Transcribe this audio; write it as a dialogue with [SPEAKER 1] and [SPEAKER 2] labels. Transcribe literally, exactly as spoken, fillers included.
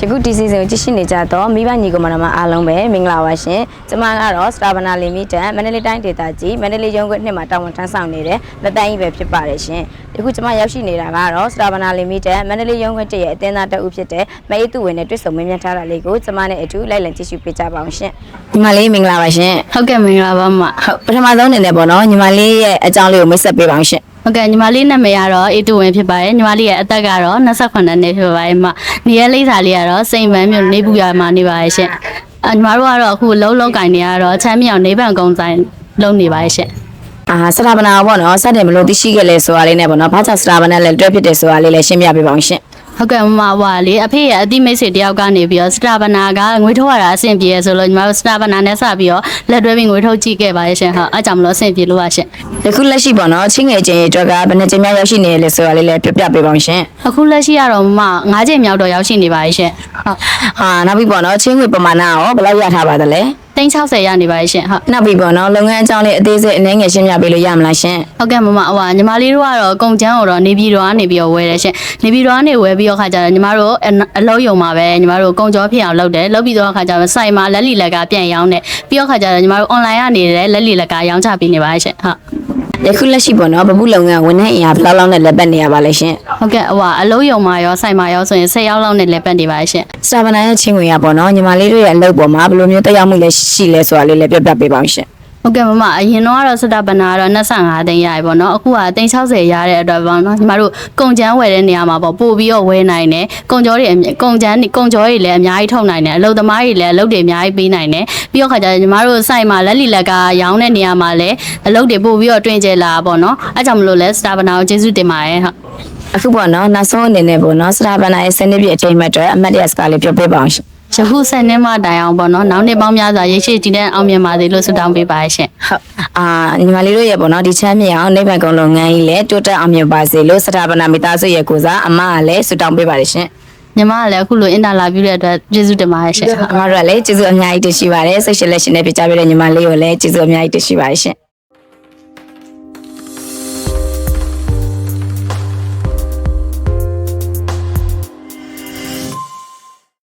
[SPEAKER 1] ဒီခုဒီစီဇန်ကိုကြည့်ရှုနေကြတော့မိဘညီကောင်မတော်မအားလုံးပဲမင်္ဂလာပါရှင်။ကျွန်မကတော့စတာဗနာလီမီတန်မန္တလေးတိုင်းဒေသကြီးမန္တလေးရုံးခွဲနှစ်မှာတာဝန်ထမ်းဆောင်နေတဲ့လက်တန်းကြီးပဲဖြစ်ပါတယ်ရှင်။ဒီခုကျွန်မရောက်ရှိနေတာကတော့စတာဗနာလီမီတန်မန္တလေးရုံးခွဲတရဲ့အသင်းသားတအုပ်ဖြစ်တဲ့မအေးသူဝင်နဲ့တွေ့ဆုံမင်းမြတ်ထားတာလေးကိုကျွန်မနဲ့အတူလိုက်လံကြည့်ရှုပေးကြပါအောင်ရှင်။ညီမလေးမင်္ဂလာပါရှင်။
[SPEAKER 2] ဟုတ်ကဲ့မင်္ဂလာပါမ
[SPEAKER 1] ဟုတ်ပထမဆုံးအနေနဲ့ပေါ့နော်ညီမလေးရဲ့အကြောင်းလေးကိုမိတ်ဆက်ပေးပါအောင်ရှင်။
[SPEAKER 2] ဟုတ်ကဲ့ညီမလေးနာမည်ကတော့အေးတူဝင်ဖြစ်ပါတယ်ညီမလေးရဲ့အသက်ကတော့၂၈နှစ်ဖြစ်ပါတယ်မနေရလိမ့်စာလေးကတော့စိန်ပန်းမြို့နေပူရမှာနေပါရဲ့ရှင်အညီမတို့ကတော့အခုလုံးလုံးကင်နေရတော့ချမ်းမြောင်နေပန်ကုန်းဆိုင်လုံးနေပါရဲ့ရှင်
[SPEAKER 1] အာစတာဗနာပေါ့နော်စတဲ့မလို့သိရှိခဲ့လဲဆိုတာလေးနဲ့ပေါ့နော်ဘာသာစတာဗနာလည်းတွဲဖြစ်တယ်ဆိုတာလေးလည်းရှင်းပြပေးပါအောင်ရှင်
[SPEAKER 2] ဟုတ်ကဲ့မမဟွာလေအဖေရဲ့အတိမိတ်ဆွေတယောက်ကနေပြီးတော့စတာဗနာကငွေထုတ်ရတာအဆင်ပြေရဆိုလို့ညီမတို့စတာဗနာနဲ့စပြီးတော့လက်တွဲပြီးငွေထုတ်ကြည့်ခဲ့ပါရဲ့ရှင်ဟုတ်အဲကြောင့်မလို့အဆင်ပြေလို့ပါရှင်
[SPEAKER 1] ဒီခုလက်ရှိပေါ့နော်ချင်းငယ်ချင်းအတွက်ကဘယ်နှချိန်များရောက်ရှိနေလဲဆိုတာလေးလည်းပြပြပေးပါအောင်ရှင်
[SPEAKER 2] အခုလက်ရှိကတော့မမ၅ချိန်မြောက်တော့ရောက်ရှိနေပါရဲ့ရှင်
[SPEAKER 1] ဟုတ်ဟာနောက်ပြီးပေါ့နော်ချင်းငွေပမာဏရောဘယ်လောက်ရထားပါသလဲ
[SPEAKER 2] တိန်း၆၀ရနေပါရှင်ဟုတ်
[SPEAKER 1] နောက်ပြီးပေါ့နော်လုပ်ငန်းအကြောင်းလေးအသေးစိတ်အနည်းငယ်ရှင်းပြပေးလို့ရမလားရှင်
[SPEAKER 2] ဟုတ်ကဲ့မမဟိုညီမလေးတို့ကတော့ကုန်ချမ်းကိုတော့နေပြည်တော်ကနေပြီးတော့ဝယ်တယ်ရှင်နေပြည်တော်ကနေဝယ်ပြီးတော့ခါကြတော့ညီမတို့အလုံးယုံမှာပဲညီမတို့ကုန်ကြောဖြစ်အောင်လုပ်တယ်လုပ်ပြီးတော့ခါကြတော့စိုက်မှာလက်လီလက်ကပြန်ရောင်းတယ်ပြီးတော့ခါကြတော့ညီမတို့ online ကနေလည်းလက်လီလက်ကရောင်းချပေးနေပါရှင်ဟုတ်
[SPEAKER 1] ယခုလက်ရှိပေါ့နော်ဗပုလုပ်ငန်းဝန်ထမ်းအင်အားဘယ်လောက်လောက်နဲ့လက်ပတ်နေရပါလဲရှင်
[SPEAKER 2] ဟုတ်ကဲ့ဟိုအလုံးယုံမှာရောစိုက်မှာရောဆိုရင်၁၀ရောက်လောက်နဲ့လက်ပတ်နေပါရှင်
[SPEAKER 1] စတာဗနာရဲ့ချင်းဝင်ရပေါ့နော်ညီမလေးတို့ရဲ့အလုပ်ပေါ်မှာဘယ်လိုမျိုးတက်ရောက်မှုလဲရှိလဲဆိုတာလေးလည်းပြပြပေးပါအောင်ရှင်
[SPEAKER 2] ဟုတ်ကဲ့မမအရင်တော့ကတော့စတာဗနာကတော့၂၅သိန်းရပြီပေါ့နော်အခုကသိန်း၆၀ရတဲ့အတွက်ပေါ့နော်ညီမတို့ကုန်ချမ်းဝယ်တဲ့နေရာမှာပေါ့ပို့ပြီးတော့ဝယ်နိုင်တယ်ကုန်ကြောတွေကုန်ချမ်းကုန်ကြောတွေလည်းအများကြီးထုတ်နိုင်တယ်အလုပ်သမားတွေလည်းအလုပ်တွေအများကြီးပေးနိုင်တယ်ပြီးတော့ခါကျတော့ညီမတို့စိုက်မှာလက်လီလက်ကရောင်းတဲ့နေရာမှာလည်းအလုပ်တွေပို့ပြီးတော့တွင်ကျလာပေါ့နော်အဲကြောင့်မလို့လဲစတာဗနာကိုကျေးဇူးတင်ပါတယ်ဟုတ်
[SPEAKER 1] အခုပေါ့နော်နောက်ဆုံးအနေနဲ့ပေါ့နော်စတာဗနာရဲ့စနေပြအချိန်မှအတွက်အမတ်ရစကားလေးပြောပြပါအောင်ရှင်
[SPEAKER 2] ယခုဆက်နေမှတိုင်အောင်ပေါ့နော်နောက်နှစ်ပေါင်းများစွာရေရှည်တည်တဲ့အောင်မြင်ပါစေလို့ဆုတောင်းပေးပါရှင်
[SPEAKER 1] ဟုတ်အာညီမလေးတို့ရဲ့ပေါ့နော်ဒီချမ်းမြေအောင်နိဗ္ဗာန်ကုန်လုပ်ငန်းကြီးလည်းတိုးတက်အောင်မြင်ပါစေလို့စတာဗနာမိသားစုရဲ့ကိုစားအမကလည်းဆုတောင်းပေးပါတယ်ရှင်
[SPEAKER 2] ညီမကလည်းအခုလိုအင်တာလာပြုတဲ့အတွက်ကျေးဇူးတင်ပါတယ်ရှင်
[SPEAKER 1] အမတို့ကလည်းကျေးဇူးအများကြီးတင်ရှိပါတယ်စိတ်ရှိလက်ရှိနဲ့ပြကြပေးတဲ့ညီမလေးကိုလည်းကျေးဇူးအများကြီးတင်ရှိပါတယ်ရှင်